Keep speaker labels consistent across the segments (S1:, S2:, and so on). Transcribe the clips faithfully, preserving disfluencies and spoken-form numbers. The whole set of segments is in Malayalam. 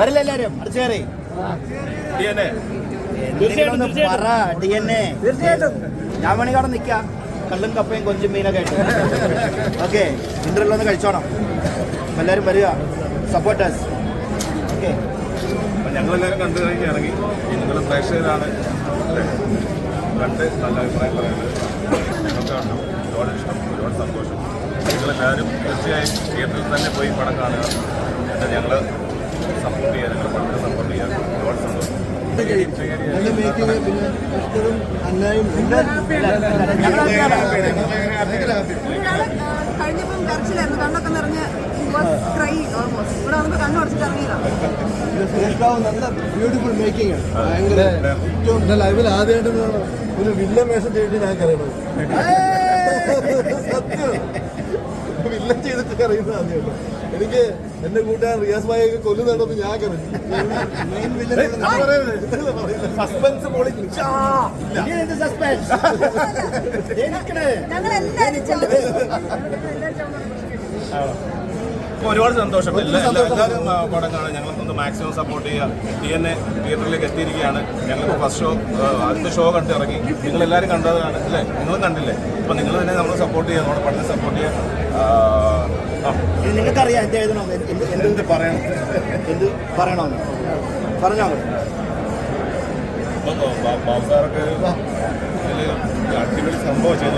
S1: വരില്ല എല്ലാരും അടിച്ചേറി പറ ഡി എൻ എ തീർച്ചയായിട്ടും. ഞാൻ വേണമെങ്കിൽ അവിടെ നിൽക്കാം, കള്ളും കപ്പയും കൊഞ്ചും മീനൊക്കെ ആയിട്ട്. ഓക്കെ, ഇന്റർവ്യൂ ഒന്ന് കഴിച്ചോണം. എല്ലാവരും വരിക, സപ്പോർട്ടേഴ്സ്. ഓക്കെ,
S2: ഞങ്ങളെല്ലാവരും കണ്ടു കഴിഞ്ഞിറങ്ങി. നിങ്ങൾ പ്രേക്ഷകരാണ് കണ്ട് നല്ല അഭിപ്രായം പറയുന്നത്. ഞങ്ങൾക്കാണ് ഒരുപാട് ഇഷ്ടം, ഒരുപാട് സന്തോഷം. നിങ്ങളെല്ലാവരും തീർച്ചയായും തിയേറ്ററിൽ തന്നെ പോയി പടം കാണുക. എന്നിട്ട് ഞങ്ങൾ സപ്പോർട്ട് ചെയ്യുക, ഞങ്ങൾ പടത്തെ സപ്പോർട്ട് ചെയ്യുക. ഒരുപാട് സന്തോഷം.
S3: കഴിഞ്ഞപ്പം കരച്ചിലായിരുന്നു, കണ്ണൊക്കെ നിറഞ്ഞ് ഇവിടെ വന്നപ്പോൾ കണ്ണുടച്ചിട്ട് ഇറങ്ങിയതാണ്.
S4: നല്ല ബ്യൂട്ടിഫുൾ മേക്കിംഗ് ആണ്. ഭയങ്കര ഏറ്റവും ലൈവിൽ ആദ്യമായിട്ട് ഒരു വില്ല വേഷം ചെയ്തിട്ട് ഞാൻ കറിയണത്. സത്യം വില്ല ചെയ്തിട്ട് അറിയുന്നത് ആദ്യമായിട്ട്. എനിക്ക് എന്റെ കൂട്ടുകാരൻ റിയാസ് ഭായിയൊക്കെ കൊല്ലുന്നുണ്ടെന്ന് ഞാൻ കറിഞ്ഞു. സസ്പെൻസ്
S2: ഒരുപാട് സന്തോഷം. എല്ലാവരും പടം കാണാൻ ഞങ്ങളൊന്ന് മാക്സിമം സപ്പോർട്ട് ചെയ്യുക. ഡി എൻ എ തിയേറ്ററിലേക്ക് എത്തിയിരിക്കുകയാണ്. ഞങ്ങളിപ്പോൾ ഫസ്റ്റ് ഷോ ആദ്യത്തെ ഷോ കണ്ട് ഇറങ്ങി. നിങ്ങളെല്ലാവരും കണ്ടതാണ് അല്ലേ? നിങ്ങളും കണ്ടില്ലേ? അപ്പോൾ നിങ്ങൾ തന്നെ നമ്മൾ സപ്പോർട്ട് ചെയ്യുക, നമ്മുടെ പടത്തെ സപ്പോർട്ട് ചെയ്യുക.
S1: നിങ്ങൾക്കറിയാം എന്ത് എഴുതണം, എന്ത് പറയണം, എന്ത് പറയണമെന്ന് പറഞ്ഞോ.
S2: ബാബു സാറൊക്കെ അടിപൊളി സംഭവം ചെയ്തു.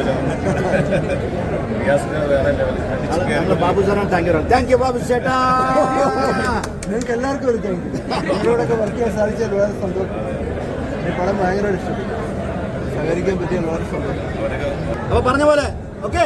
S1: ബാബു സാറാണ്. Thank you thank you Babu ചേട്ടാ.
S4: നിങ്ങൾക്ക് എല്ലാവർക്കും ഒരു താങ്ക് യു. നിങ്ങളോടൊക്കെ വർക്ക് ചെയ്യാൻ സാധിച്ചാൽ വളരെ സന്തോഷം. ഈ പടം ഭയങ്കര ഇഷ്ടം, സഹകരിക്കാൻ പറ്റിയ വളരെ സന്തോഷം.
S1: അപ്പൊ പറഞ്ഞ പോലെ ഓക്കെ.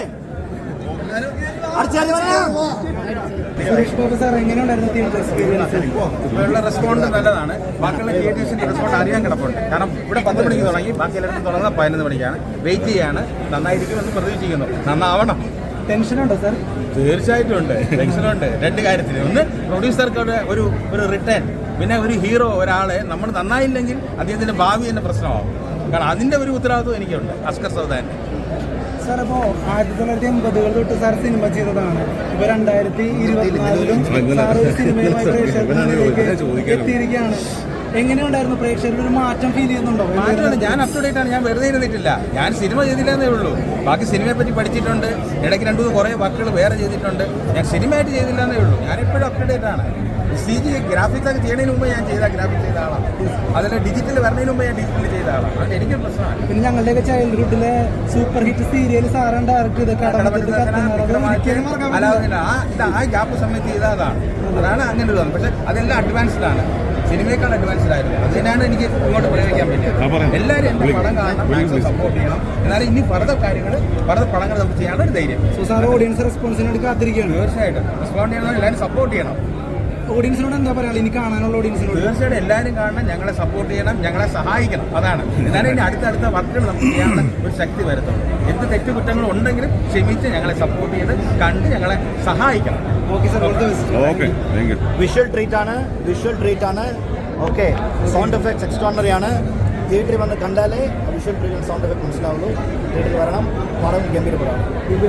S4: സുരേഷ് ബാബു സാർ എങ്ങനെയുണ്ടായിരുന്നു തിയേറ്റർ എക്സ്പീരിയൻസ്?
S5: ഇവിടെയുള്ള റെസ്പോണ്ട് നല്ലതാണ്. ബാക്കിയുള്ള തിയേറ്റേഴ്സിന്റെ റെസ്പോണ്ട് അറിയാൻ കിടപ്പുണ്ട്. കാരണം ഇവിടെ പത്ത് മണിക്ക് തുടങ്ങി, ബാക്കി എല്ലായിടത്തും തുടങ്ങുന്നത് പതിനൊന്ന് മണിക്കാണ്. വെയിറ്റ് ചെയ്യാണ്. നന്നായിരിക്കുമെന്ന് പ്രതീക്ഷിക്കുന്നു. നന്നാവണം.
S4: ടെൻഷനുണ്ടോ സാർ?
S5: തീർച്ചയായിട്ടും ഉണ്ട്, ടെൻഷനുണ്ട്. രണ്ട് കാര്യത്തിൽ. ഒന്ന്, പ്രൊഡ്യൂസർക്ക് ഒരു ഒരു റിട്ടേൺ, പിന്നെ ഒരു ഹീറോ ഒരാളെ നമ്മൾ നന്നായില്ലെങ്കിൽ അദ്ദേഹത്തിന്റെ ഭാവി തന്നെ പ്രശ്നമാകും. കാരണം അതിന്റെ ഒരു ഉത്തരവാദിത്വം എനിക്കുണ്ട്. അസ്കർ സൗദാൻ
S4: സാർ, അപ്പോൾ ആയിരത്തി തൊള്ളായിരത്തി എൺപതുകൾ തൊട്ട് സാർ സിനിമ ചെയ്തതാണ്. ഇപ്പൊ രണ്ടായിരത്തി ഇരുപത്തിനാലിലും സാർ ഒരു സിനിമയുമായി പ്രേക്ഷകരിലേക്ക് എത്തിയിരിക്കുകയാണ്. എങ്ങനെയുണ്ടായിരുന്നു? പ്രേക്ഷകരുടെ ഒരു മാറ്റം ഫീൽ ചെയ്യുന്നുണ്ടോ?
S5: മാറ്റമാണ്. ഞാൻ അപ് ടു ഡേറ്റ് ആണ്. ഞാൻ വെറുതെ ഇരുന്നിട്ടില്ല. ഞാൻ സിനിമ ചെയ്തില്ലെന്നേ ഉള്ളൂ. ബാക്കി സിനിമയെ പറ്റി പഠിച്ചിട്ടുണ്ട്. ഇടയ്ക്ക് രണ്ടു മൂന്ന് കുറേ വർക്കുകൾ വേറെ ചെയ്തിട്ടുണ്ട്. ഞാൻ സിനിമയായിട്ട് ചെയ്തില്ലെന്നേ ഉള്ളൂ. ഞാൻ എപ്പോഴും അപ് ടു ഡേറ്റ് ആണ്. സി ജി ഗ്രാഫിക്സ് ഒക്കെ ചെയ്യുന്നതിന് മുമ്പ് ഞാൻ ചെയ്ത ഗ്രാഫിക്സ് ചെയ്ത ആളാണ്. അതിൽ ഡിജിറ്റൽ വരുന്നതിന് മുമ്പ് ഞാൻ ഡിജിറ്റൽ ചെയ്ത ആളാണ്. അതുകൊണ്ട് എനിക്കൊരു പ്രശ്നമാണ്.
S4: പിന്നെ ഞങ്ങളുടെയൊക്കെ ചൈൽഡ്ഹുഡിലെ സൂപ്പർ ഹിറ്റ് സീരിയൽ സാറാണ് ഡയറക്ട് ചെയ്ത്
S5: അല്ലാതെ ആ ഇത് ആ ഗ്യാപ്പ് സമയത്ത് ചെയ്ത അതാണ്. അതാണ് അങ്ങനെ ഒരു പക്ഷെ അതെല്ലാം അഡ്വാൻസ്ഡ് ആണ്. സിനിമയേക്കാൾ അഡ്വാൻസ്ഡ് ആയിരുന്നു. അതിനാണ് എനിക്ക് ഇങ്ങോട്ട് പ്രയോഗിക്കാൻ പറ്റിയത്. എല്ലാവരും എൻ്റെ പടം കാണണം, മാക്സിമം സപ്പോർട്ട് ചെയ്യണം. എന്നാലും ഇനി ഫർദർ കാര്യങ്ങൾ ഫർദർ പടങ്ങൾ നമുക്ക് ചെയ്യാനുള്ള ഒരു ധൈര്യം.
S4: സോ സാർ ഓഡിയൻസ് റെസ്പോൺസിന് വേണ്ടി കാത്തിരിക്കുകയാണ്.
S5: തീർച്ചയായിട്ടും റെസ്പോണ്ട് ചെയ്യണം. എല്ലാവരും സപ്പോർട്ട് ചെയ്യണം.
S4: ഓഡിയൻസിനോട് എന്താ പറയുക ഇനി കാണാനുള്ള ഓഡിയൻസിനോട്?
S5: തീർച്ചയായിട്ടും എല്ലാവരും കാണണം, ഞങ്ങളെ സപ്പോർട്ട് ചെയ്യണം, ഞങ്ങളെ സഹായിക്കണം. അതാണ്. എന്നാലും ഇനി അടുത്തടുത്ത വർക്കുകൾ നമുക്ക് ചെയ്യാനുള്ള ഒരു ശക്തി വരുത്തുള്ളൂ. എന്ത് തെറ്റുകുറ്റങ്ങൾ ഉണ്ടെങ്കിലും ക്ഷമിച്ച് ഞങ്ങളെ സപ്പോർട്ട് ചെയ്ത് കണ്ട് ഞങ്ങളെ സഹായിക്കണം.
S4: Okay sir,
S2: okay, thank you.
S1: Visual treat ആണ്, വിഷ്വൽ ട്രീറ്റ് ആണ്. ഓക്കെ, സൗണ്ട് എഫക്ട്സ് എക്സ്ട്രോണറി ആണ്. തിയേറ്ററിൽ വന്ന് കണ്ടാലേ വിഷ്വൽ ട്രീറ്റ് സൗണ്ട് എഫക്ട് മനസ്സിലാവുള്ളൂ. തിയേറ്ററിൽ വരണം, പടം ഗംഭീരപ്പെടാം.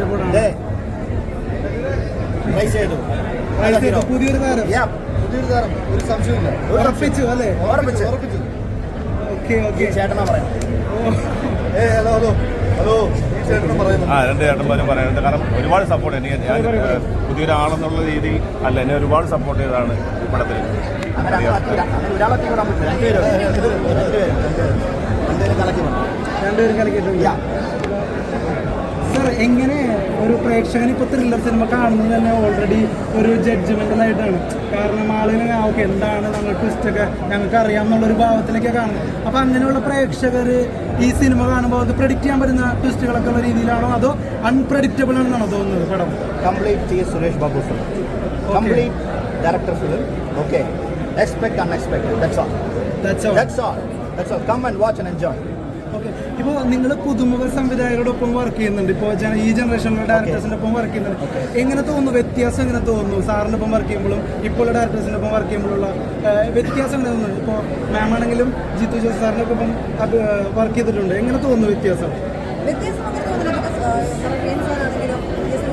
S1: ട്രൈ ചെയ്തു.
S4: പുതിയൊരു താരം,
S1: പുതിയൊരു താരം, ഒരു സംശയമില്ല.
S4: ഉറപ്പിച്ചു അല്ലേ?
S1: ഉറപ്പിച്ചു ഉറപ്പിച്ചു
S4: ഓക്കെ ഓക്കെ.
S1: ചേട്ടനാ പറയാം.
S4: ഏ ഹലോ ഹലോ ഹലോ ചേട്ടനും പറയുന്നു.
S2: ആ രണ്ട് ചേട്ടന്മാരും പറയുന്നുണ്ട്. കാരണം ഒരുപാട് സപ്പോർട്ട് എനിക്ക് ഞാൻ പുതിയൊരാളെന്നുള്ള രീതിയിൽ അല്ല, എന്നെ ഒരുപാട് സപ്പോർട്ട് ചെയ്തതാണ് ഈ പടത്തിൽ.
S1: അങ്ങനെ ഒരാളൊക്കെ വിടാൻ പറ്റില്ല. രണ്ടുപേരും രണ്ടുപേരും രണ്ടുപേരും കലക്കി വേണം.
S4: രണ്ടുപേരും കളിക്കിട്ടില്ല. സാർ, എങ്ങനെ ഒരു പ്രേക്ഷകൻ ഇപ്പോൾ ത്രില്ലർ സിനിമ കാണുന്നത് തന്നെ ഓൾറെഡി ഒരു ജഡ്ജ്മെൻ്റലായിട്ടാണ്. കാരണം ആളുകൾ ഓക്കെ എന്താണ് ഞങ്ങൾ ട്വിസ്റ്റൊക്കെ ഞങ്ങൾക്ക് അറിയാമെന്നുള്ളൊരു ഭാവത്തിലൊക്കെ കാണുന്നത്. അപ്പോൾ അങ്ങനെയുള്ള പ്രേക്ഷകർ ഈ സിനിമ കാണുമ്പോൾ അത് പ്രെഡിക്റ്റ് ചെയ്യാൻ പറ്റുന്ന ട്വിസ്റ്റുകളൊക്കെ ഉള്ള രീതിയിലാണോ അതോ അൺപ്രെഡിക്റ്റബിൾ ആണെന്നാണോ തോന്നുന്നത് പടം?
S1: Complete T S Suresh Babu film, complete director film. Okay, expect unexpected. That's all.
S4: That's all.
S1: That's all. That's all. Come and watch and enjoy.
S4: Okay. ഇപ്പോൾ നിങ്ങൾ പുതുമുഖ സംവിധായകരോടൊപ്പം വർക്ക് ചെയ്യുന്നുണ്ട്. ഇപ്പോൾ ഈ ജനറേഷനിലെ ഡയറക്ടേഴ്സിൻ്റെ ഒപ്പം വർക്ക് ചെയ്യുന്നുണ്ട്. എങ്ങനെ തോന്നുന്നു? വ്യത്യാസം എങ്ങനെ തോന്നുന്നു? സാറിൻ്റെ ഒപ്പം വർക്ക് ചെയ്യുമ്പോഴും ഇപ്പോൾ ഡയറക്ടേഴ്സിൻ്റെ ഒപ്പം വർക്ക് ചെയ്യുമ്പോഴുള്ള വ്യത്യാസം എങ്ങനെ തോന്നുന്നു? ഇപ്പോൾ മാം ആണെങ്കിലും ജിത്തു ജോസ് സാറിൻ്റെ ഒപ്പം വർക്ക് ചെയ്തിട്ടുണ്ട്. എങ്ങനെ തോന്നുന്നു വ്യത്യാസം?
S3: വ്യത്യാസം അങ്ങനെ തോന്നുന്നില്ല.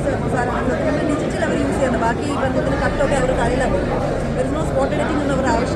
S3: ഡിജിറ്റൽ അവർ യൂസ് ചെയ്യുന്നത്. ബാക്കി ഈ ബന്ധത്തിന് കട്ടൊക്കെ അവർ തരില്ല. സ്പോട്ട് എഡിറ്റിംഗ് ഒന്നും അവർ ആവശ്യം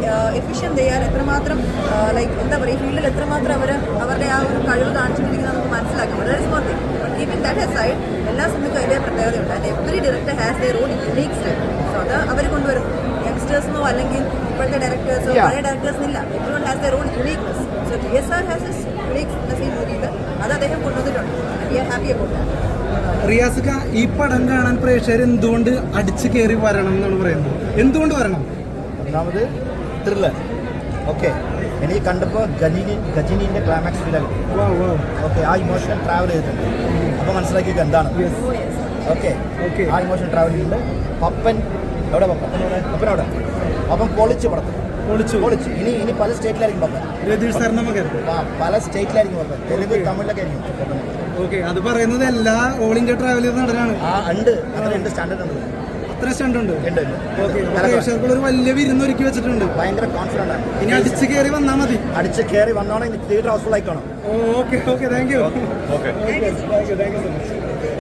S3: എഫിഷ്യൻ ചെയ്യാൻ എത്രമാത്രം ലൈക്ക് എന്താ പറയുക ഫീൽഡിൽ എത്രമാത്രം അവർ അവരുടെ ആ ഒരു കഴിവ് കാണിച്ചുകൊണ്ടിരിക്കുന്നത് നമുക്ക് മനസ്സിലാക്കാം വളരെ small thing but keeping that side എല്ലാ സിനിമയ്ക്കും അതിൻ്റെ പ്രത്യേകതയുണ്ട് and every director has their own unique style so അത് അവർ കൊണ്ടുവരും യങ്സ്റ്റേഴ്സിനോ അല്ലെങ്കിൽ ഇപ്പോഴത്തെ ഡയറക്ടേഴ്സോ
S1: Yeah.
S3: പഴയ ഡയറക്ടേഴ്സിനില്ല everyone has their own uniqueness so T S R has his uniqueness ഈ മൂവിയിൽ അത് അദ്ദേഹം കൊണ്ടുവന്നിട്ടുണ്ട് we are happy about that.
S4: റിയാസിക്ക ഈ പടം കാണാൻ പ്രേക്ഷകർ എന്തുകൊണ്ട് അടിച്ചു കയറി വരണം എന്നാണ് പറയുന്നത്? എന്തുകൊണ്ട് വരണം?
S1: ഒന്നാമത് ത്രില്ലർ. ഓക്കെ, എനിക്ക് കണ്ടപ്പോൾ ഗജിനി ഗജിനിൻ്റെ ക്ലൈമാക്സ് ഫീലാണ്.
S4: വാ വാ
S1: ഓക്കെ, ആ ഇമോഷണൽ ട്രാവൽ ചെയ്തിട്ടുണ്ട്. അപ്പോൾ മനസ്സിലാക്കിയത് എന്താണ്. Okay,
S4: Okay.
S1: ആ ഇമോഷണൽ ട്രാവൽ ചെയ്തിട്ടുണ്ട്. പപ്പൻ എവിടെ പപ്പൻ പപ്പൻ അവിടെ പപ്പൻ പൊളിച്ച് പടത്തിൽ
S4: പൊളിച്ചു
S1: പൊളിച്ച് ഇനി ഇനി പല സ്റ്റേറ്റിലായിരിക്കും പപ്പൻ.
S4: രതീഷ് സാറിന്റെ മകൻ.
S1: ആ, പല സ്റ്റേറ്റിലായിരിക്കും പപ്പൻ. തെലുങ്ക് തമിഴിലൊക്കെ ആയിരിക്കും പപ്പൻ.
S4: ഓക്കെ, അത് പറയുന്നത് എല്ലാ ഓൾ ഇന്ത്യ ട്രാവൽ ചെയ്ത നടനാണ്.
S1: ആ ഉണ്ട്, അത്ര ഉണ്ട്, സ്റ്റാൻഡേർഡ് ഉണ്ട്.
S4: അത്ര സ്റ്റണ്ട് ഉണ്ട്.
S1: ഉണ്ട് ഉണ്ട്.
S4: ഓക്കെ,
S1: നല്ല
S4: പ്രേക്ഷകർക്കുള്ള ഒരു വലിയ വിരുന്നൊരുക്കി വെച്ചിട്ടുണ്ട്.
S1: ഭയങ്കര കോൺഫിഡൻ്റ് ആണ്.
S4: ഇനി അടിച്ചു കയറി വന്നാൽ മതി.
S1: അടിച്ച് കയറി വന്നോണെങ്കിൽ തിയേറ്റർ ഹൗസ്ഫുൾ ആയിക്കോണം.
S4: Okay okay thank you.
S2: Okay
S4: okay thank you thank you so much.